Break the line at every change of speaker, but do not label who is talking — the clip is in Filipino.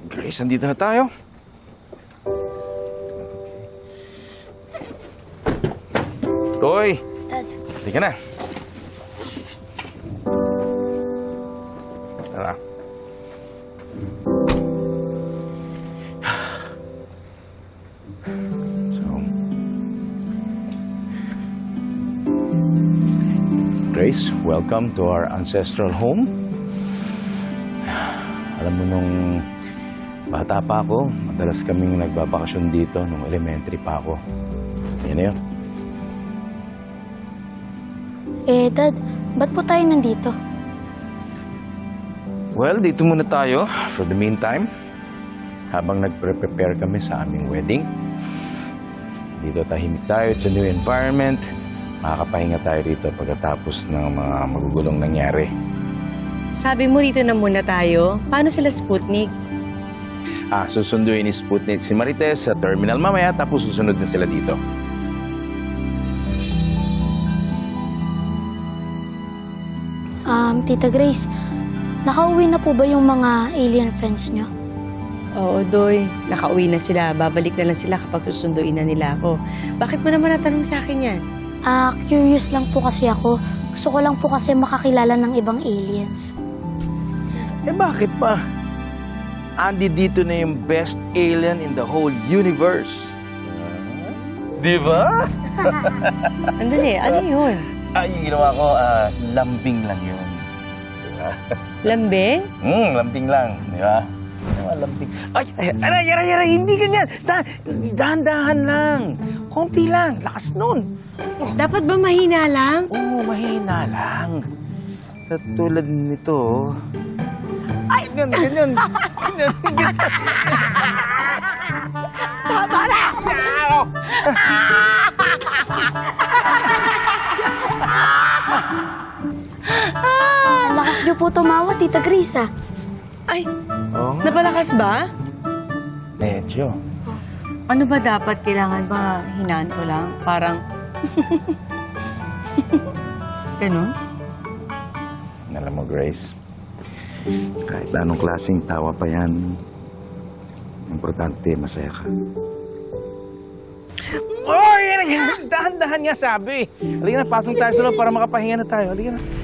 Grace, andito na tayo. Toy!
Dad.
Halika na. Tara. So, Grace, welcome to our ancestral home. Alam mo, nung bata pa ako, madalas kaming nagbabakasyon dito nung elementary pa ako. Yan na yun.
Dad, ba't po tayo nandito?
Well, dito muna tayo for the meantime. Habang nagpre-prepare kami sa aming wedding. Dito tahimik tayo. It's a new environment. Makakapahinga tayo dito pagkatapos ng mga magugulong nangyari.
Sabi mo dito na muna tayo. Paano sila Sputnik?
Susunduin ni Sputnik si Marites sa terminal mamaya, tapos susunod na sila dito.
Tita Grace, nakauwi na po ba yung mga alien friends nyo?
Oo, Doy. Nakauwi na sila. Babalik na lang sila kapag susunduin na nila ako. Bakit mo naman natanong sa akin yan?
Curious lang po kasi ako. Gusto ko lang po kasi makakilala ng ibang aliens.
Eh bakit pa? Andi dito na yung best alien in the whole universe. Di ba?
Andali, ano yun?
Yung ginawa ko, lambing lang yun. Di ba?
Lambing?
Lambing lang. Di ba? Lambing. Aray, hindi ganyan. Dahan-dahan lang. Konti lang. Lakas nun.
Dapat ba mahina lang?
Oo, mahina lang. Sa tulad nito. Ay, ganyan.
Tama na!
Ang lakas nyo po tumawa, Tita Grace,
Ay,
Oo nga.
napalakas ba?
Medyo.
Ano ba dapat? Kailangan ba hinaan ko lang? Parang... Ganon?
Alam mo, Grace, kahit anong klaseng tawa pa yan, importante, masaya ka. Oh, yan! Dahan-dahan nga sabi. Halika na, pasok tayo sa loob para makapahinga na tayo. Halika na.